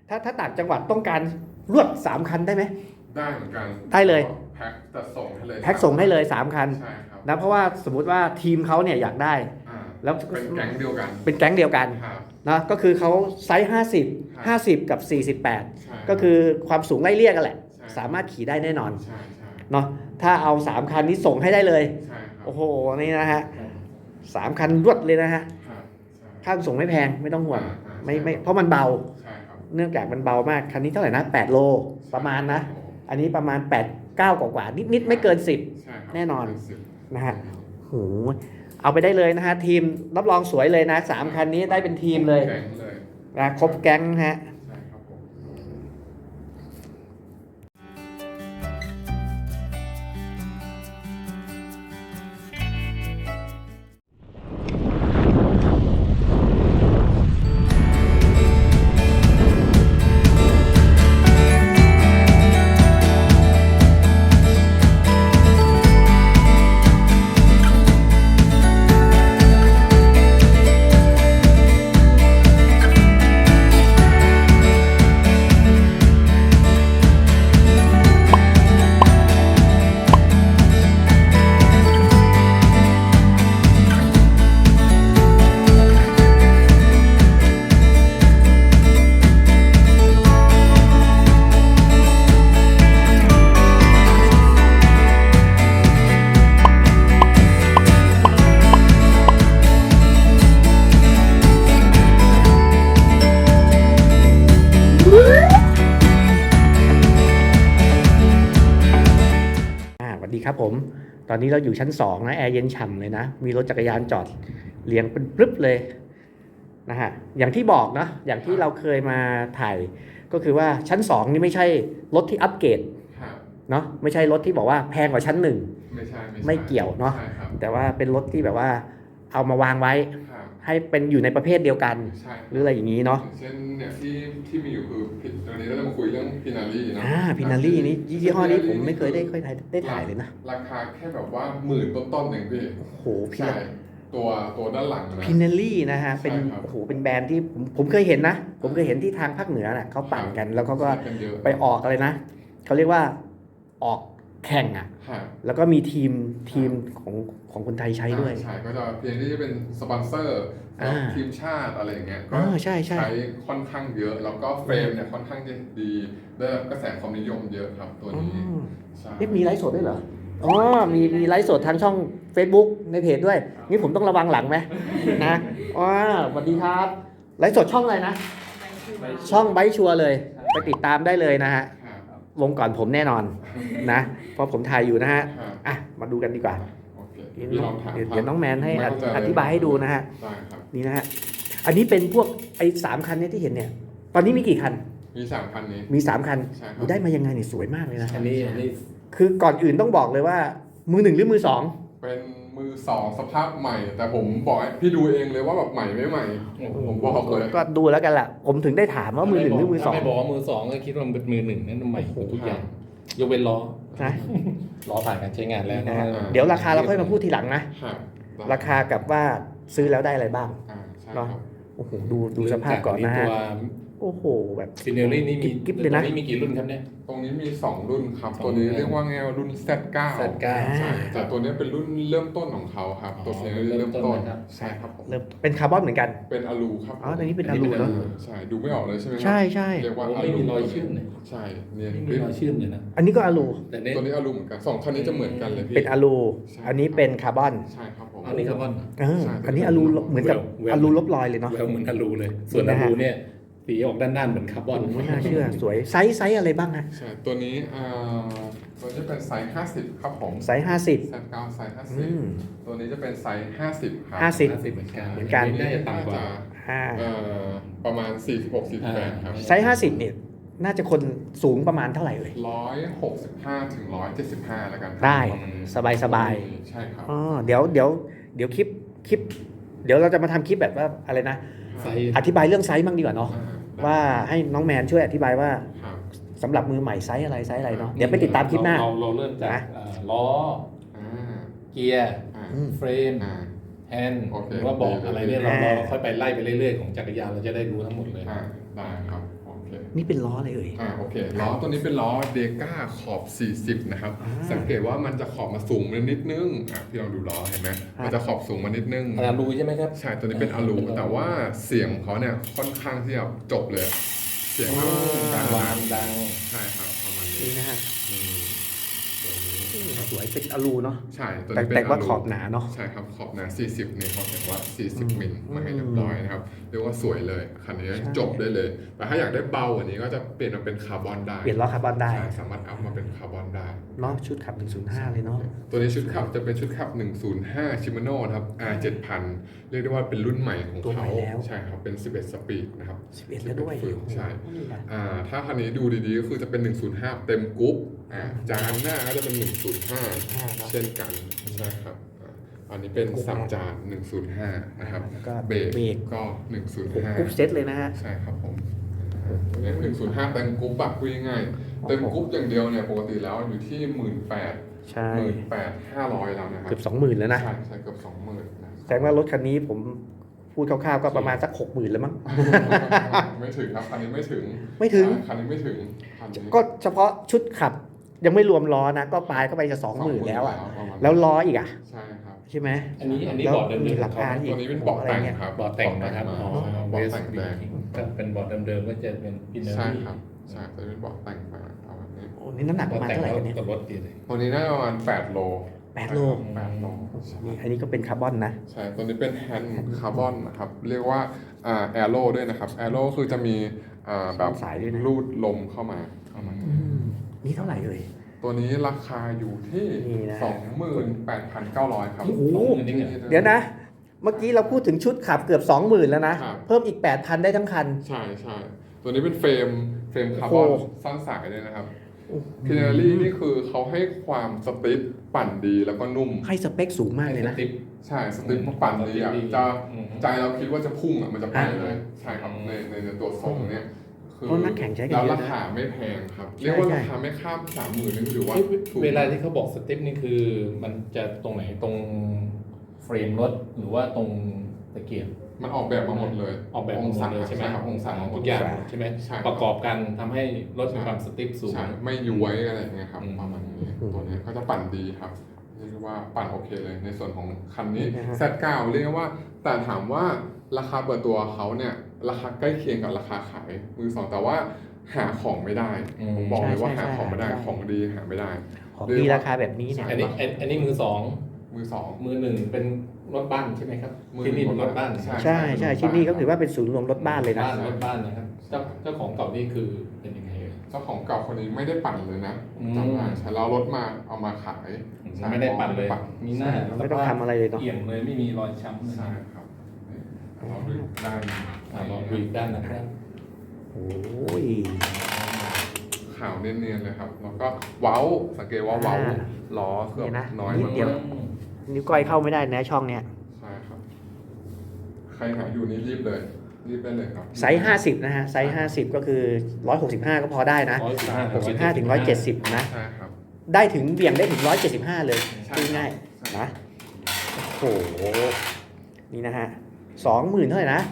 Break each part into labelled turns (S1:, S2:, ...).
S1: ถ้าต่างจังหวัดต้องการรวด3คันได้ไหม
S2: ได้เหมือนกัน
S1: ได้เลย
S2: แพ็คจะส่งให้เลย
S1: แพ็คส่งให้เลย3คัน
S2: ใช่ครับ
S1: นะเพราะว่าสมมุติว่าทีมเขาเนี่ยอยากได้
S2: แล้วเป็นแก๊งเดียวกัน
S1: นะก็คือเขาไซส์50กับ48ก็คือความสูงไล่เลี่ยกันแหละสามารถขี่ได้แน่นอนเนาะถ้าเอา3คันนี้ส่งให้ได้เลยโอ้โหนี่นะฮะ3คันรวดเลยนะฮะค่าส่งไม่แพงไม่ต้องห่วงไม่เพราะมันเบาเนื่องจากมันเบามากคันนี้เท่าไหร่นะ8โลประมาณนะอันนี้ประมาณ8 9กว่านิดไม่เกิน10แน่นอนนะฮะโหเอาไปได้เลยนะฮะทีมรับรองสวยเลยนะ3คันนี้ได้เป็นทีมเลยนะครบแก๊งฮะครับผมตอนนี้เราอยู่ชั้น2นะแอร์เย็นฉ่ำเลยนะมีรถจักรยานจอดเรียงเป็นปรึ๊บเลยนะฮะอย่างที่บอกนะอย่างที่เราเคยมาถ่ายก็คือว่าชั้น2นี่ไม่ใช่รถที่อัปเกรดเนาะไม่ใช่รถที่บอกว่าแพงกว่าชั้น1ไม่เกี่ยวเนาะแต่ว่าเป็นรถที่แบบว่าเอามาวางไว้ให้เป็นอยู่ในประเภทเดียวกันหรืออะไรอย่างนี้เนาะ
S2: เช่นเนี่ยที่มีอยู่คือตอนนี้เราจะมาคุยเรื่องพินารี่นะ
S1: พินารี่นี่ยี่ห้อนี้ผมไม่เคยได้ถ่ายเลยนะ
S2: ราคาแค่แบบว่า10,000ต้นๆเองพี่
S1: โอ้โห
S2: ตัวด้านหลังนะ
S1: พินารี่นะฮะเป็นโอ้โหเป็นแบรนด์ที่ผมเคยเห็นนะผมเคยเห็นที่ทางภาคเหนือน่ะเขาปั่นกันแล้วเขาก็ไปออกอะไรนะเขาเรียกว่าออกแข่งอ่ะแล้วก็มีทีมของคนไทยใช้ด้วย
S2: ใช่ก็จะเพียงที่จะเป็นสปอนเซอร์ทีมชาติอะไรอย่างเงี้ยก็
S1: ใช้
S2: ค่อนข้างเยอะแล้วก็เฟรมเนี่ยค่อนข้างจะดีได้กระแสความนิยมเยอะครับตัวนี้
S1: มีไลฟ์สดด้วยเหรออ๋อมีไลฟ์สดทางช่อง Facebook ในเพจด้วยนี่ผมต้องระวังหลังไหมนะอ๋อสวัสดีครับไลฟ์สดช่องอะไรนะช่องไบค์ชัวร์เลยไปติดตามได้เลยนะฮะลงก่อนผมแน่นอนนะเพราะผมถ่ายอยู่นะฮะอ่ะมาดูกันดีกว่าเดี๋ยวน้องแมนให้อธิบายให้ดูนะฮะนี่นะฮะอันนี้เป็นพวกไอ้3คันนี้ที่เห็นเนี่ยตอนนี้มีกี่คัน
S2: มี3คันนี้
S1: มี3คันได้มายังไงเนี่ยสวยมากเลยนะ
S3: อันนี้
S1: คือก่อนอื่นต้องบอกเลยว่ามือ1หรือมือ2
S2: เป็นมือ2สภาพใหม่แต่ผมบอกพี่ดูเองเลยว่าแบบใหม่ไม่ใหม่ผมบอกเลย
S1: ก็ดูแล้วกันล่ะผมถึงได้ถามว่ามือ1หรือมือ2
S3: ไม่บอกว่ามือ2ก็คิดว่ามันเป็นมือ1นั่นใหม่ทุกอย่างยกเว้นล้อ
S1: นะ
S3: ล้อผ่านการใช้งานแล้ว
S1: เดี๋ยวราคาเราค่อยมาพูดทีหลังนะราคากับว่าซื้อแล้วได้อะไรบ้างเนาะโอ้โหดูสภาพก่อนนะฮะโอ้โหแบบ
S3: ฟิเนลลี่นี่มี
S1: กิ๊บเลยนะ
S3: นี่มีกี่รุ่นครับเนี่ย
S2: ตรงนี้มี2รุ่นครับตัวนี้เรียกว่าไงรุ่น Z9 แต่ตัวนี้เป็นรุ่นเริ่มต้นของเขาครับตัวฟิเนลลี่เริ่มต้นใช่ครับ
S1: เริ่มเป็นคาร์บอนเหมือนกัน
S2: เป็นอลูครับ
S1: อ๋อตัวนี้เป็นอลูเนาะ
S2: ใช่ดูไม่ออกเลยใช่ไหม
S1: ใช่
S2: เรียกว่า
S3: ไม่มีรอยชื่นเลย
S2: ใช่เนี่ย
S3: มีรอยชื่นเลยนะ
S1: อันนี้ก็อลู
S2: แต่ตัวนี้อลูเหมือนกัน2คันนี้จะเหมือนกันเลยพี่
S1: เป็นอลูอันนี้เป็นคาร์บอน
S2: ใช่ครับผม
S3: อันนี้คาร์บอน
S1: อันนี้อลูเหมือนกับอลูลบรอยเลยเนาะ
S3: เหมือนอลูเลยส่วนอลูเนี่ยสีออกด้านๆเหมือนคาร์บอน
S1: ไม่น่าเชื่อสวยไซส์อะไรบ้างฮะ
S2: ใช่ตัวนี้ตัวนี้เป็นไซส์50ครับผม
S1: ไซส์
S2: Z9ไซส์50ตัวนี้จะเป็นไซส์50ครับ
S1: 50
S3: เหมือน
S1: กัน
S3: น่าจะต่ำกว่า
S2: ประมาณ46-48ครับ
S1: ไซส์50เนี่ยน่าจะคนสูงประมาณเท่าไหร่เลย
S2: 165ถึง175แล้วกัน
S1: ได้สบาย
S2: ใช่ครับ
S1: เดี๋ยวคลิปเดี๋ยวเราจะมาทำคลิปแบบว่าอะไรนะอธิบายเรื่องไซส์บ้างดีกว่าเนาะว่าให้น้องแมนช่วยอธิบายว่าสำหรับมือใหม่ไซส์อะไรเนาะเดี๋ยวไปติดตามคลิปหน้า
S3: เราเริ่มจากล้อเกียร์เฟรมแฮนด์หรือว่าบอกอะไรเนี่ยเราค่อยไปไล่ไปเรื่อยๆของจักรยานเราจะได้รู้ทั้งหมดเลย
S2: ได้ครับโอเค
S1: นี่เป็นล้ออะไรเอ่ย
S2: โอเคล้อตัวนี้เป็นล้อเดก้าขอบ 40 นะครับ สังเกตว่ามันจะขอบมาสูงมานิดนึงพี่ลองดูล้อเห็นไหมมันจะขอบสูงมานิดนึง
S3: อลูใช่ไหมครับ
S2: ใช่ตัวนี้เป็นอลูแต่ว่าเสียงของเขาเนี่ยค่อนข้างที่จะจบเลย เสียงดัง
S3: ดัง
S2: ใช่ครับประมาณนี้
S1: นี่นะฮะ
S2: ตัวนี้
S1: สวยเป็นอลูเนาะ
S2: ใช่ตัว
S1: แต่
S2: นี้เป็น
S1: แต่ว่า
S2: อลู
S1: ขอบหนาเนาะ
S2: ใช่ครับขอบหนา 40เนี่ยเขาเขียนว่า 40 มิลมาให้เรียบร้อยนะครับเรียกว่าสวยเลยคันนี้
S1: ใช่
S2: จบได้เลย แต่ถ้าอยากได้เบากว่านี้ก็จะเปลี่ยนมาเป็นคาร์บอนได้
S1: เปลี่ยนล้อคาร์บอนได้
S2: ใช่สามารถอัพมาเป็นคาร์บอนได้
S1: เนาะชุดขับ 105 เลยเนาะ
S2: ตัวนี้ชุดขับจะเป็นชุดขับ 105 Shimano นะครับ R7000 เรียกได้ว่าเป็นรุ่นใหม่ของ
S1: ตัวใหม่
S2: เขา
S1: แล้ว
S2: ใช่ครับ เป็น 11 สปีดนะครับ
S1: 11 แล้วด้วย
S2: ฝึกใช่
S1: โอ้โหนี่นะ
S2: ถ้าคันนี้ดูดีๆ ก็คือจะเป็น 105 เต็มกรุ๊ปจานหน้าก็จะเป็น 105 เช่นกัน ใช่ครับอันนี้เป็นสับจาน 105 นะครับ
S1: แล้วก็
S2: เบร
S1: เบร
S2: ก
S1: ก
S2: ก็
S1: กรุ๊ปเซตเลยนะฮะ
S2: 105 ใช่ครับผมเนี่ย105 เต็มกรุ๊ปแบบพูดง่ายๆเต็มกรุ๊ปอย่างเดียวเนี่ยปกติแล้วอยู่ที่ 18,000
S1: ใช่
S2: 18,500 แล้วนะครับ
S1: เกือบ 20,000 แล้วนะ
S2: ใช่ใช่เกือบ 20,000นะ
S1: แสดงว่ารถคันนี้ผมพูดคร่าวๆก็ประมาณสัก 60,000 แล้วมั้ง
S2: ไม่ถึงครับคันนี้ไม่ถึง
S1: ไม่ถึง
S2: คันนี้ไม่ถึงคันนี้
S1: ก็เฉพาะชุดขับยังไม่รวมล้อนะ ก็ปลายก็ไปจะ 20,000 แล้วอ่ะ
S2: ประมาณ
S1: แล้วล้ออีกอ่ะ
S2: ใช่ครับ
S1: ใช่ไหม
S3: อันนี้
S1: แล้ว
S3: บอร์ดเดิม
S1: มี
S3: ๆ
S1: หลักการอี
S2: ตัวนี้เป็นเบาะแต่งครับ
S3: บอร์ดแต่งนะครับ
S2: มา
S3: อ๋อ
S2: เบาะแต่งแดง
S3: ถ้าเป็นบอร์ดเดิมๆก็จะเป็นพินเนอ
S2: ใช่
S3: รี่
S2: ครับใช่ตัวนี้เป็นเบาะแต่งมาเอาแบบนี้
S1: โอ้นี่น้ำหนักประมาณเท่าไหร่กันเนี่ย
S3: กับรถดีเลย
S2: ตัวนี้น่าจะประมาณ8 โล
S1: 8 โล
S2: 8 โลใช่
S1: นี่อันนี้ก็เป็นคาร์บอนนะ
S2: ใช่ตัวนี้เป็นแฮนด์คาร์บอนนะครับเรียกว่าแอโร่ด้วยนะครับแอโร่คือจะมีแบบ
S1: สายด้วยนะ
S2: รูดลมเข้ามา
S1: นี่เท่าไหร่เลย
S2: ตัวนี้ราคาอยู่ที่
S1: นี่นะ
S2: 28,900 ครับ
S1: โอ้โห
S3: นี่ไง
S1: เดี๋ยวนะ เมื่อกี้เราพูดถึงชุดขับเกือบ 20,000 แล้วนะ
S2: ครับ
S1: เพิ่มอีก 8,000 ได้ทั้งคัน
S2: ใช่ใช่ตัวนี้เป็นเฟรมคาร์บอน
S1: โอ้โห
S2: สั้นสายเลยนะครับพินารี่นี่คือเขาให้ความสติ๊ปปั่นดีแล้วก็นุ่ม
S1: ให้สเปคสูงมากเลยนะ
S3: ติ๊บ
S2: ใช่สติ๊ปปั่นดีอ่ะจะ
S3: อืม
S2: ใจเราคิดว่าจะพุ่งอ่ะมันจะไปเลย ใช่ครับในตัวทรงเนี้ยคือ
S1: เพราะนักแข่งใช้กัน
S2: แล้ว
S1: เยอะนะ
S2: ราคาไม่แพงครับ
S1: ใช่
S2: เรียกว่า
S1: ใช่
S2: ราคาไม่ข้าม 30,000นี่ถือว่าถูก
S3: เวลาที่เขาบอกสเต็ปนี่คือมันจะตรงไหนตรงเฟรมรถหรือว่าตรงตะเกียบ
S2: มันออกแบบมาหมดเลย
S3: ออกแบบมาหมดเลยใช่ไหม
S2: ครับองศา
S3: ทุกอย่างใช่ไหม
S2: ใช่
S3: ประกอบกันทำให้รถมีความสติ๊ปสูง
S2: ใช่ไม่ย้วยอะไรอย่างเงี้ยครับ
S3: อืม
S2: ประมาณนี้ตัวนี้ก็จะปั่นดีครับเรียกว่าปั่นโอเคเลยในส่วนของคันนี้
S1: นะฮะ
S2: Z9 เรียกว่าแต่ถามว่าราคาเปิดตัวเขาเนี่ยราคาใกล้เคียงกับราคาขายมือสองแต่ว่าหาของไม่ได้ผมบอกเลยว่าหาของไม่ได้ของดีหาไม่ได้
S1: ของดีราคาแบบนี้เนี่ย
S3: อันนี้มือสอง
S2: มือสอง
S3: มือหนึ่งเป็นรถบ้านใช่ไหมครับ
S2: มือ
S3: ที่นี่เป็นรถบ้าน
S2: ใช่
S1: ใช่ใช่ที่นี่ก็ถือว่าเป็นศูนย์รวมรถบ้านเลยนะ
S3: รถบ้านนะครับเจ้าของเก่านี่คือเป็นยังไงเอ่ย
S2: เจ้าของเก่าคนนี้ไม่ได้ปั่นเลยนะ
S3: อืม
S2: จำได้ใช่เรารถมาเอามาขายใช่
S3: ไม่ได้ปั่นเลย มีหน้า
S1: ไม่ต้องทำอะไรเลยเนาะ
S3: เอี่ยมเลยไม่มีรอยช้ำเลย
S2: ใช่ครับเราดูได้
S3: ลองดูอีกด้านนะครับ
S1: โอ้ย
S2: ขาวเนียนๆเลยครับแล้วก็เว้าสังเกตว่าเว้าล้อเกือบ
S1: เนี่ยนะ
S2: น้อย
S1: นิด
S2: มาก
S1: เดียว นิ้วก้อยเข้าไม่ได้นะช่องเนี้ย
S2: ใช่ครับ ใครหาอยู่นี่รีบเลย รีบได้เลยครับ
S1: ไซส์50 นะฮะ ไซส์50 ก็คือ 165 ก็พอได้นะ 65 ถึง 170 นะ
S2: ใช่ครับ
S1: ได้ถึงเบี่ยงได้ถึง 175 เลย
S2: ใช่
S1: พูดง่ายนะโอ้โห นี่นะฮะ 20,000 เท่าไหร่นะ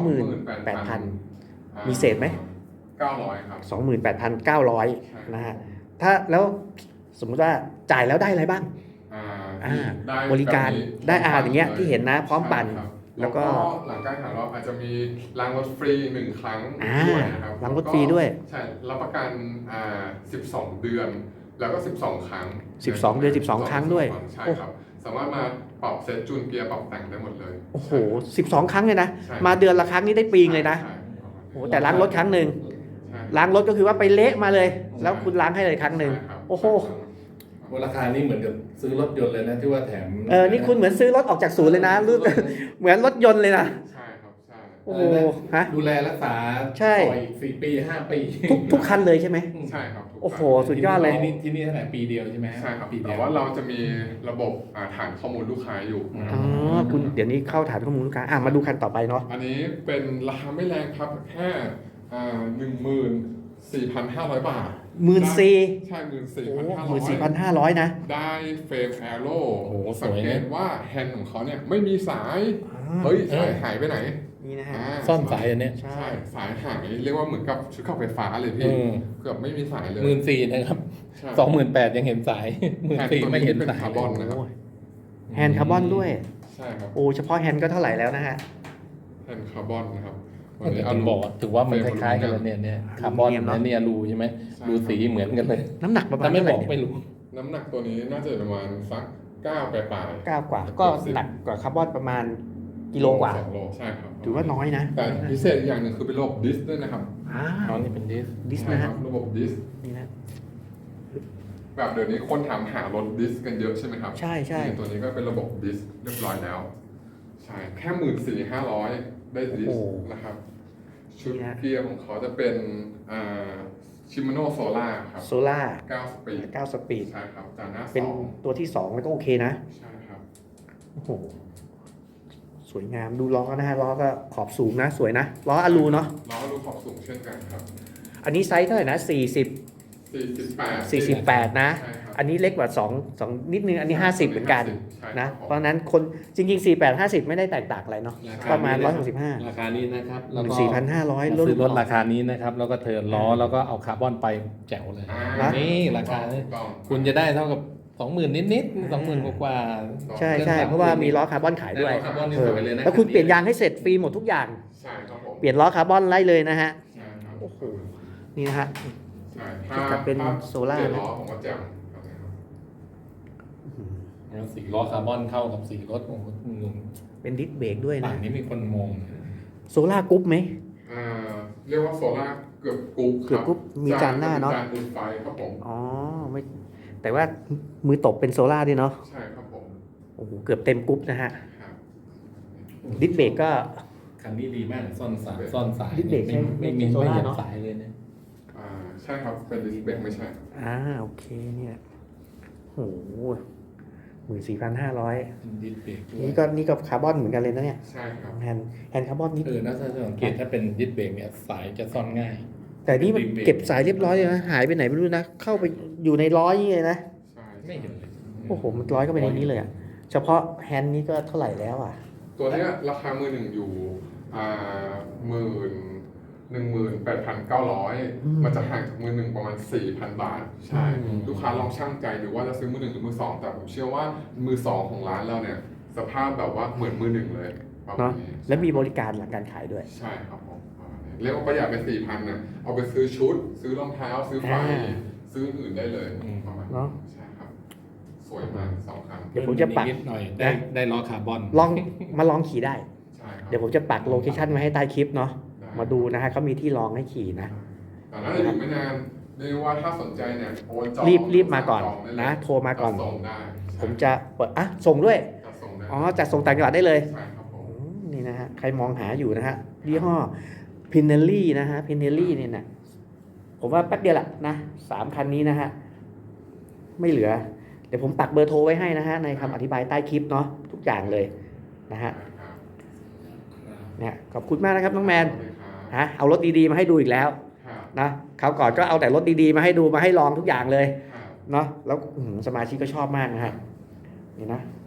S1: 28,000 มีเศษไหม
S2: 900 ครับ
S1: 28,900 นะฮะ ถ้าแล้วสมมุติว่าจ่ายแล้วได้อะไรบ้าง
S2: ได้
S1: บริการ
S2: แบบนี้
S1: ได้อย่างเงี้ยที่เห็นนะพร้อมปั่น
S2: ใช่ครับ
S1: แล้
S2: แล้ว
S1: วก็
S2: ก็หลังการหาเราอาจจะมีล้างรถฟรี1 ครั้ง
S1: อ่า
S2: ด้วยนะครับ
S1: ล้างรถฟรีด้วย
S2: ใช่รับประกัน12 เดือน แล้วก็ 12 ครั้ง
S1: 12 เดือน 12 ครั้งด้วย
S2: ใช่ครับ สามารถมาปรับเซตจูนเกียร์ปรับแต่งได้หมดเลย
S1: โอ้โห 12 ครั้งเลยนะ
S2: ใช่
S1: มาเดือนละครั้งนี่ได้ปีงเลยนะ
S2: ใช่
S1: โอ้โหแต่ล้างรถครั้งหนึ่ง
S2: ใช่
S1: ล้างรถก็คือว่าไปเละมาเลย แล้วคุณล้างให้เลยครั้งหนึ่ง
S2: ใช่ครับ
S1: โอ้โห
S3: ราคานี่เหมือนกับซื้อรถยนต์เลยนะที่ว่าแถม
S1: นี่คุณเหมือนซื้อรถออกจากศูนย์เลยนะรู้ เหมือนรถยนต์เลยนะ
S2: ใช่ครับใช่
S1: โอ้โห ฮะ
S3: ดูแลรักษา
S1: ใช่
S3: ต่ออีก4 ปี 5 ปี
S1: ทุกคันเลยใช่ไหม
S2: ใช่ครับถูก
S1: โอ้โห
S2: ต้อง
S1: สุดยอดเลย
S3: ที่นี่เท่าไหร่ปีเดียวใช่ไหม
S2: ใช่ครับ
S3: ปีเดี
S2: แต่
S3: ยว
S2: ว่าเราจะมีระบบฐานข้อมูลลูกค้าอยู่นะค
S1: อ๋
S2: รับ
S1: อ คุณเดี๋ยวนี้เข้าฐานข้อมูลลูกค้ามาดูคันต่อไปเนาะ
S2: อันนี้เป็นราคาไม่แรงครับแค่14,500 บาท
S1: 14,000
S2: ใช่
S1: โอ้
S2: 14,500
S1: 14,500 นะ
S2: ได้เฟรมแอโร่
S3: โอ้โหส
S2: สัง
S3: วย
S2: เก
S3: นะ
S2: ตว่าแฮนด์ของเขาเนี่ยไม่มีสาย
S1: อ่า
S2: เฮ้ยสายหายไปไหน
S1: นี่นะฮะ
S3: ซ่อนสายอันเนี้ย
S1: ใช่
S2: ใช่สายหายเรียกว่าเหมือนกับชุดขับไฟฟ้าเลยพี่เกือบไม่มีสายเลย
S3: 14,000นะครับ
S2: ใช่
S3: 28,000ยังเห็นสาย14,000ไม่เห็น
S2: เป็น
S3: สาย
S2: คาร์บอนนะ
S1: โอ้ยแฮนด์คาร์บอนด้วย
S2: ใช่ครับ
S1: โอ้เฉพาะแฮนด์ก็เท่าไหร่แล้วนะฮะ
S2: แผ่นคาร์บอนนะครับ
S3: ถึงบอกว่าถือว่ามันคล้ายๆกันแล้วเนี่ยคาร์บอน
S1: อลูมิเนียมเนอะ
S3: เนี่ยรูใช่ไหมรูสีเหมือนกันเลย
S1: น้ำหนักประมาณ
S3: ถ้าไม่
S1: เท่าไห
S3: บ
S1: ร่
S3: อก
S1: เนี่ย
S3: ไม่รู้
S2: น้ำหนักตัวนี้น่าจะประมาณสัก9ปลายๆ
S1: 9 กว่าก็หนักกว่าคาร์บอนประมาณกิโลกว่า
S2: 2 โลใช่ครับ
S1: ถือว่าน้อยนะ
S2: แต่พิเศษอีกอย่างหนึ่งคือเป็นระบบดิสด้วยนะครับ
S1: อ้า
S3: ตอ
S1: วน
S3: นี้เป็นดิส
S1: ดิส
S2: ใช่
S1: นะ
S2: ค
S1: ฮะ
S2: รับระบบดิส
S1: นี่นะ
S2: แบบเดี๋ยวนี้คนถามหารถดิสกันเยอะใช่ไหมครับ
S1: ใช่ใช่
S2: นี่ตัวนี้ก็เป็นระบบดิสเรียบร้อยแล้ว ใช่แค่14,500ได้ดิสนะครับ ชุดเกียร์ของเขาจะเป็นชิม a โนโซล่าครับ
S1: โซล่า
S2: 9 สปีด
S1: 9 สปีด
S2: ใช่ครับจานหน้า
S1: เป็น
S2: 2
S1: ตัวที่ 2 แล้วก็โอเคนะ
S2: ใช่ครับ
S1: โอ้โห สวยงามดูล้อนะฮะล้อก็ขอบสูงนะ สวยนะ ล้ออะลูเนาะ
S2: เราก็ดูขอบสูงเช่นกันครับ
S1: อันนี้ไซส์เท่าไหร่นะ
S2: 48
S1: 48 นะ
S2: ใช่ครับ
S1: อันนี้เล็กกว่า2นิดนึง อันนี้ 50 เหมือนกัน
S2: ใช่
S1: นะ
S2: ครับ
S1: เพราะฉะนั้นคนจริงๆ 48 50 ไม่ได้แตกต่างอะไรเนาะ ประมาณ 165
S3: ราคานี้นะครับแล้วก็
S1: 4,500
S3: ซื้อรถราคานี้นะครับ แล้วก็เทิร์นล้อแล้วก็เอาคาร์บอนไปแจ๋วเลย
S2: อ่า
S3: นี่ราคานี้
S2: ถูกต้อง
S3: คุณจะได้เท่ากับ 20,000 นิดๆ20,000 กว่าๆ
S1: ใช่ใช่เพราะว่ามีล้อคาร์บอนขายด้วย
S3: ได้ล้อคาร์บอนนี่
S1: เออ
S3: สวยเลยนะ
S1: แล้วคุณเปลี่ยนยางให้เสร็จฟรีหมดทุกอย่าง
S2: ใช่ครับผม
S1: เปลี่ยนล้อคาร์บอนไล่เลยนะฮะ
S2: ใช่ครับ
S1: โอ้โห นี่นะฮะ
S2: ใช่
S1: จะเป็นโซล่า
S2: เปลี่ยนล้อผมก็แจ่มครับ
S3: แล้วสีล้อคาร์บอนเข้ากับสีรถโอ้โหหนุ่ม
S1: เป็นดิสเบรกด้วย
S3: ป่า
S1: นะ
S3: นนี้มีคนมอง
S1: โซล่ากรุ๊ปไหม
S2: อ่าเรียกว่าโซล่าเกือบกรุ๊ป
S1: เกือบกรุ๊ปมีจานหน้าเนอะ
S2: จานอุ่นไฟครับผม
S1: อ๋อไม่แต่ว่ามือตบเป็นโซล่าด้วยเนาะ
S2: ใช่ครับผม
S1: โอ้โหเกือบเต็มกรุ๊ปนะฮะ
S2: ครับ
S1: ดิสเบรกก็
S3: คันนี้ดีมากซ่อนสายซ่อนสาย
S1: ดิสเบรก
S3: ไม่
S1: ใช่
S3: มี
S1: โซ
S3: ไม่
S1: ล่า
S3: เห็น
S1: เนอะ
S3: สายเลยเนี่ย
S2: ใช่ครับเป็นดิสเบรกไม่ใช่
S1: โอเคเนี่ยโอ้โห14,500
S3: ดิสเบรกด้วย
S1: นี่ก็คาร์บอนเหมือนกันเลยนะเนี่ย
S2: ใช่ครับ
S1: แฮนด์คาร์บอนนิด
S3: น่าจะสังเกตถ้าเป็นดิสเบรกเนี่ยสายจะซ่อนง่าย
S1: แต่นี่มันเก็บสายเรียบร้อยเลยนะหายไปไหนไม่รู้นะ เข้าไปอยู่ในล้อนี่เลยนะ
S2: ใช่
S3: ไม่เห็นเลย
S1: โอ้โหมันร้อยก็ไปในนี้เลยอะเฉพาะแฮนด์นี้ก็เท่าไหร่แล้วอ่ะ
S2: ตัวเนี้ยราคามือหนึ่งอยู่18,900มันจะห่างจากมือหนึ่งประมาณ 4,000 บาท ใช่ ลูกค้าลองชั่งใจดูว่าจะซื้อมือหนึ่งหรือมือสองแต่ผมเชื่อว่ามือสองของร้านเราเนี่ยสภาพแบบว่าเหมือนมือหนึ่งเลยประมา
S1: เนาะ
S2: ณนี้
S1: และมีบริการหลังการขายด้วย
S2: ใช่ครับผมประมาณนี้เรียกว่าประหยัดไป4,000นะเอาไปซื้อชุด ซื้อรองเท้า ซื้อไฟ ซื้ออื่นได้เลยประมาณ
S1: เนอะ
S2: ใช่ครับ สวยมากสองคัน
S1: เดี๋ยวผมจะปัก
S3: นิดหน่อยได้ล้อคาร์บอน
S1: มาลองขี่ได้
S2: ใช่ครับ
S1: เดี๋ยวผมจะปักโลเคชั่นไว้ให้ใต้คลิปเนาะ
S2: ได้
S1: มาดูนะฮะเขามีที่ลองให้ขี่นะ
S2: แต่น่าจะอยู่ไม่นานเรียกว่าถ้าสนใจเนี่ยโอนจอง
S1: รีบมาก่อน
S2: จงได้เลย
S1: นะโทรมาก่อน
S2: จัดส่งได้
S1: ผมจะเปิดส่งด้วย
S2: จัดส่งได้
S1: อ๋อจัดส่งต่างจังหวัดได้เลย
S2: ใช่ครับผม
S1: นี่นะฮะใครมองหาอยู่นะฮะยี่ห้อพินเนลลี่นะฮะพินเนลลี่เนี่ยนะผมว่าแป๊บเดียวแหละนะ3 คันนี้นะฮะไม่เหลือ เดี๋ยวผมปักเบอร์โทรไว้ให้นะฮะในคำอธิบายใต้คลิปเนาะทุกอย่างเลยนะฮะ
S2: ครับ
S1: เนี่ยขอบคุณมากนะครับน้องแมน
S2: สวัสดีครับ
S1: ฮะเอารถดีๆมาให้ดูอีกแล้ว
S2: ครับ
S1: นะคราวก่อนก็เอาแต่รถดีๆมาให้ดูมาให้ลองทุกอย่างเลย
S2: ครับ
S1: เนาะแล้วสมาชิกก็ชอบมากนะฮะนี่นะ